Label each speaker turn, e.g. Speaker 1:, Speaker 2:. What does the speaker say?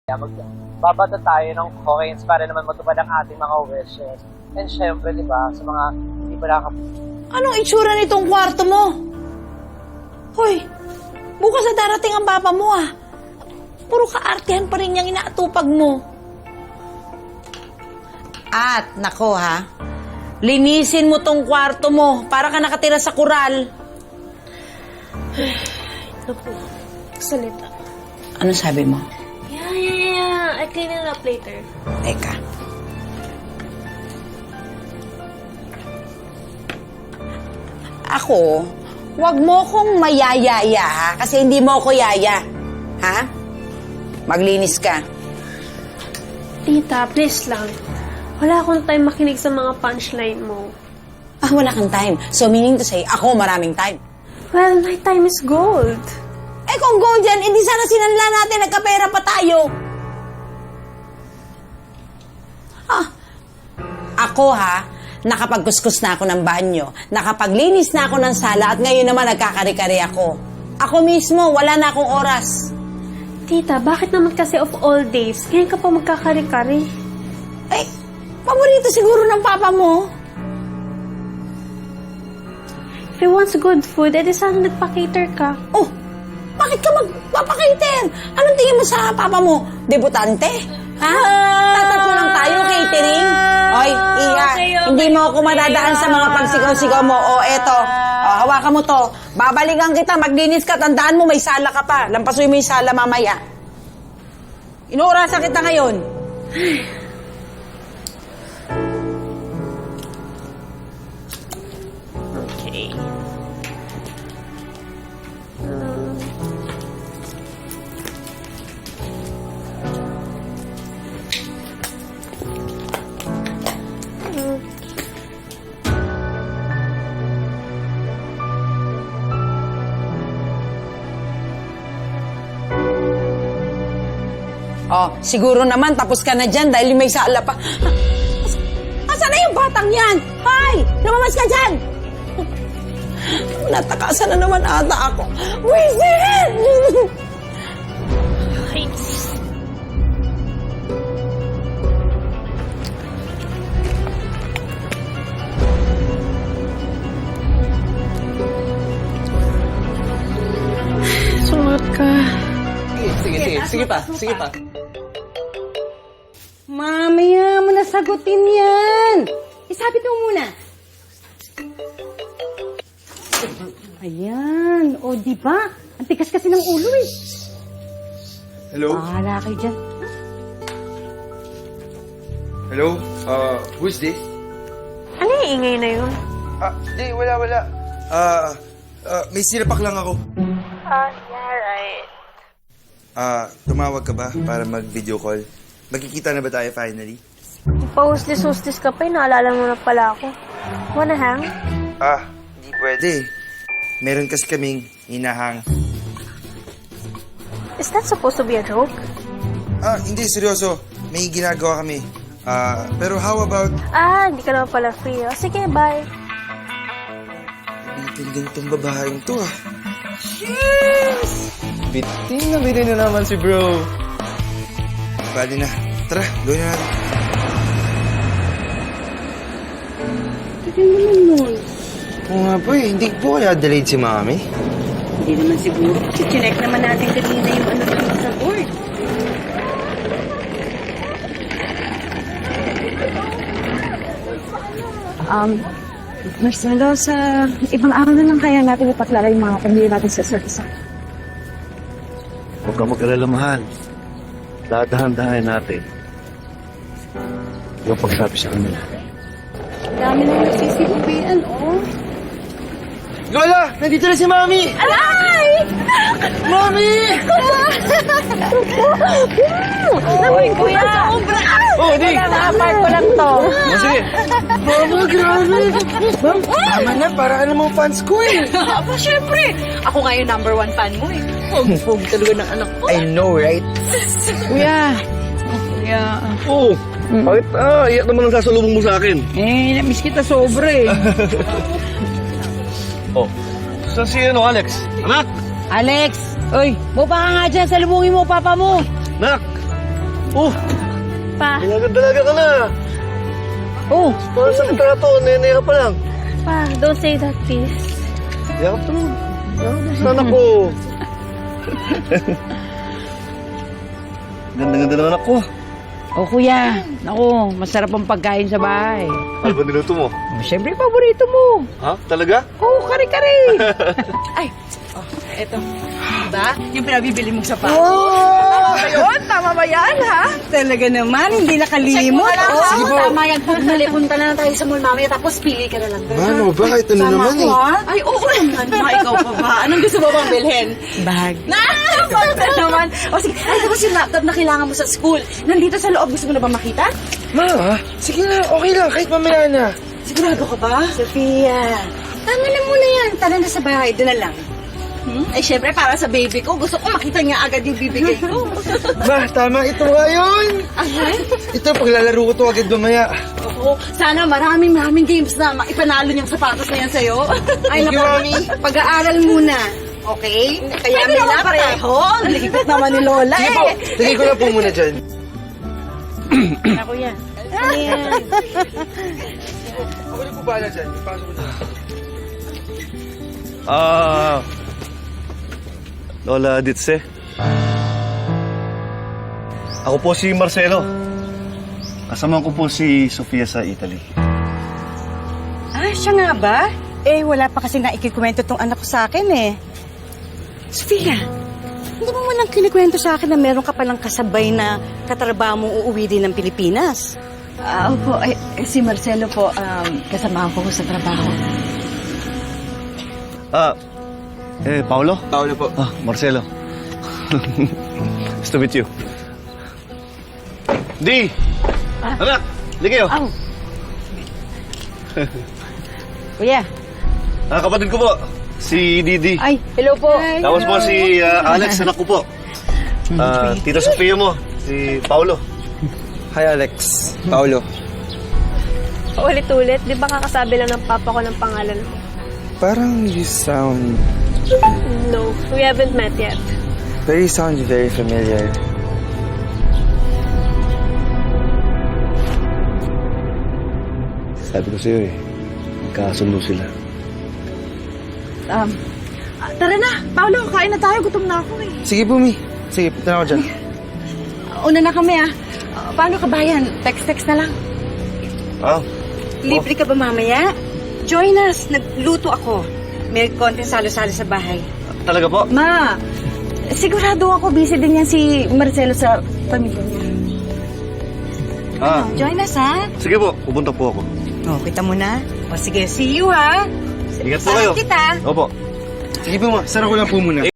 Speaker 1: Magbabata tayo ng coins para naman matupad ang ating mga wishes. And syempre, di ba, sa mga hindi pa
Speaker 2: Anong itsura nitong kwarto mo? Hoy, bukas na darating ang papa mo ah. Puro kaartehan pa rin niyang inaatupag mo. At, nako ha, linisin mo tong kwarto mo para ka nakatira sa kural.
Speaker 3: Naku, salita.
Speaker 2: Ano sabi mo?
Speaker 3: Yeah. I clean it up later.
Speaker 2: Teka. Ako, wag mo kong mayayaya ha, kasi hindi mo ako yaya. Ha? Maglinis ka.
Speaker 3: Tita, please lang. Wala akong time makinig sa mga punchline mo.
Speaker 2: Ah, wala kang time. So meaning to say, ako maraming time.
Speaker 3: Well, my time is gold.
Speaker 2: Eh kung gold yan, hindi sana sinanla natin, nagkapera pa tayo. Ah, ako ha, nakapagkuskus na ako ng banyo, nakapaglinis na ako ng sala, at ngayon naman nagkakari-kari ako. Ako mismo, wala na akong oras.
Speaker 3: Tita, bakit naman kasi of all days, ngayon ka pa magkakari-kari?
Speaker 2: Eh, paborito siguro ng papa mo.
Speaker 3: If he wants good food, edi sana nagpa-cater ka.
Speaker 2: Oh, bakit ka magpapakaiter? Anong tingin mo sa papa mo? Debutante? Ha? Tatatlo lang tayo, catering? Oy, Iya,
Speaker 3: okay.
Speaker 2: hindi mo ako madadaan sa mga pagsigaw-sigaw mo. O, eto. O, hawakan mo to. Babalikan kita, maglinis ka. Tandaan mo, may sala ka pa. Lampasuin mo yung sala mamaya. Inuurasan kita ngayon.
Speaker 3: Okay.
Speaker 2: Oh, siguro naman tapos ka na dyan dahil may sala pa. Asan na yung batang yan? Hoy! Lumabas ka dyan! Natakasan na naman ata ako. Wisit!
Speaker 3: Sumat ka.
Speaker 1: Sige pa.
Speaker 4: Mamaya mo na sagutin yan. Isabit mo muna. Ayan. O, di ba? Ang tigas kasi ng ulo eh.
Speaker 5: Hello?
Speaker 4: Bahala kayo dyan.
Speaker 5: Hello? Who's this?
Speaker 3: Ano yung ingay na yun?
Speaker 5: Di, wala. May sinapak lang ako.
Speaker 3: Yeah, right.
Speaker 5: Tumawag ka ba para mag-video call? Magkikita na ba tayo finally?
Speaker 3: Pa-hustis-hustis ka pa, naalala mo na pala ako. Wanna hang?
Speaker 5: Hindi pwede. Meron kasi kaming hinahang.
Speaker 3: Is that supposed to be a joke?
Speaker 5: Hindi, seryoso. May ginagawa kami. Pero how about...
Speaker 3: Hindi ka naman pala free. O, sige, bye.
Speaker 5: Bitin din tong babaeng to Bitin na naman si bro. Bali na. Tara, gawin na natin.
Speaker 4: Tignan naman nun.
Speaker 5: Oo nga po hindi po kaya delayed si mami.
Speaker 4: Hindi naman siguro. Chinek naman natin kanina yung ano dito sa board.
Speaker 6: Marcelo, sa ibang araw na lang kaya natin ipaklaro yung mga pamilya natin sa service.
Speaker 7: Huwag kang mag-alala, mahal. Dahan-dahan natin. Yung pagsabi sa kanila.
Speaker 4: Dami na nagsisibubian, oh.
Speaker 5: Lola! Nandito na si mami!
Speaker 4: Alay!
Speaker 5: Mami!
Speaker 4: Uy, kuya! Sobra!
Speaker 5: Di!
Speaker 4: Naka-park ko lang to.
Speaker 5: Sige! Mama, grabe! Tama na, para ka namang fans ko eh!
Speaker 4: Aba, syempre! Ako nga yung number 1 fan mo eh. Pog talaga ng anak ko.
Speaker 5: I know, right?
Speaker 6: Kuya!
Speaker 7: Oo! Bakit? Iyak naman ang sasalubong mo sa akin.
Speaker 6: Namiss kita sobra eh.
Speaker 7: Saan si Alex? Anak!
Speaker 6: Alex! Uy, bupa ka nga dyan, salubungin mo papa mo.
Speaker 7: Nak! Oh,
Speaker 3: Pa,
Speaker 7: dalaga ka na.
Speaker 2: Oh,
Speaker 7: Parang sa litrato, nene ka pa lang.
Speaker 3: pa, don't say that, please.
Speaker 7: Yakap to. Sana ko. Ganda-ganda ng anak ko.
Speaker 2: oh kuya. Naku, masarap ang pagkain sa bahay.
Speaker 7: Ano ba niluto mo?
Speaker 2: Oh, siyempre, paborito mo.
Speaker 7: Ha? Talaga?
Speaker 2: Oh, kare-kare.
Speaker 4: Eto. Diba? Yung pinabibili mong sapatos.
Speaker 2: Oh, ayun, tama ba yan, ha? Talaga naman, hindi nakalimot.
Speaker 4: Sige po. Tama yan. Punta na tayo sa mall mamaya tapos pili ka na lang.
Speaker 5: Mano, bakit ito na naman eh?
Speaker 4: Ay, oo naman. Ma, ikaw pa ba? Anong gusto mo bang bilhin?
Speaker 2: Bag.
Speaker 4: Bakit naman? O sige, ay tapos yung laptop na kailangan mo sa school. Nandito sa loob. Gusto mo na ba makita?
Speaker 5: Ma, sige na, okay lang, kahit mamaya na.
Speaker 4: Sigurado ka ba?
Speaker 2: Sophia, tama na muna yan. Tara na sa bahay, doon na lang.
Speaker 4: Ay, syempre, para sa baby ko. Gusto ko makita niya agad yung bibigay ko.
Speaker 5: Ma, tama, ito nga yun. Ito, paglalaro ko to agad mamaya.
Speaker 4: Oo. Sana maraming games na ipanalo niyang sapatos na yan sa'yo.
Speaker 5: Thank you, Mami.
Speaker 2: Pag-aaral muna. Okay?
Speaker 4: Kaya may pareho. Naligpit naman ni Lola
Speaker 5: Sige po, tigay ko na po muna dyan.
Speaker 2: Ako yan.
Speaker 5: Ako na po bahala dyan, ipasok ko na.
Speaker 7: Lola Ditse. Ako po si Marcelo. Kasama ko po si Sofia sa Italy.
Speaker 6: Ah, siya nga ba? Eh, wala pa kasi naikikwento tong anak ko sa akin eh. Sofia, hindi mo man lang kinikwento sa akin na meron ka palang kasabay na katrabaho mong uuwi din ng Pilipinas.
Speaker 4: Opo, si Marcelo po, kasama ko sa trabaho.
Speaker 7: Paolo?
Speaker 5: Paolo po.
Speaker 7: Marcelo. Nice to meet you. Di! Anak! Ligi kayo.
Speaker 2: Kuya.
Speaker 7: Kapatid ko po, si Didi.
Speaker 2: Ay, hello po.
Speaker 7: Tapos po si Alex, anak ko po. Tita Sofia mo, si Paolo.
Speaker 5: Hi, Alex. Paolo.
Speaker 3: Ulit-ulit, di ba kakasabi lang ng papa ko ng pangalan mo?
Speaker 5: Parang you sound
Speaker 3: No, we haven't met yet.
Speaker 5: very familiar.
Speaker 7: Sabi ko sa'yo magkasundo sila.
Speaker 6: Tara na, Paolo, kain na tayo. Gutom na ako eh.
Speaker 5: Sige po, Mi. Sige, punta na ako dyan.
Speaker 6: Una na kami ah. Paano ka bayan? Text na lang.
Speaker 2: Libre ka ba mamaya? Join us. Nagluto ako. May konting salo-salo sa bahay.
Speaker 7: Talaga po?
Speaker 6: Ma, sigurado ako busy din yan si Marcelo sa pamilya niya.
Speaker 2: Join us, ha?
Speaker 7: Sige po, pupunta po ako.
Speaker 2: Oh, kita mo na. O sige, see you, ha?
Speaker 7: Ingat po kayo.
Speaker 2: Kita.
Speaker 7: Opo.
Speaker 5: Sige po, Ma. Sarap ko lang po muna.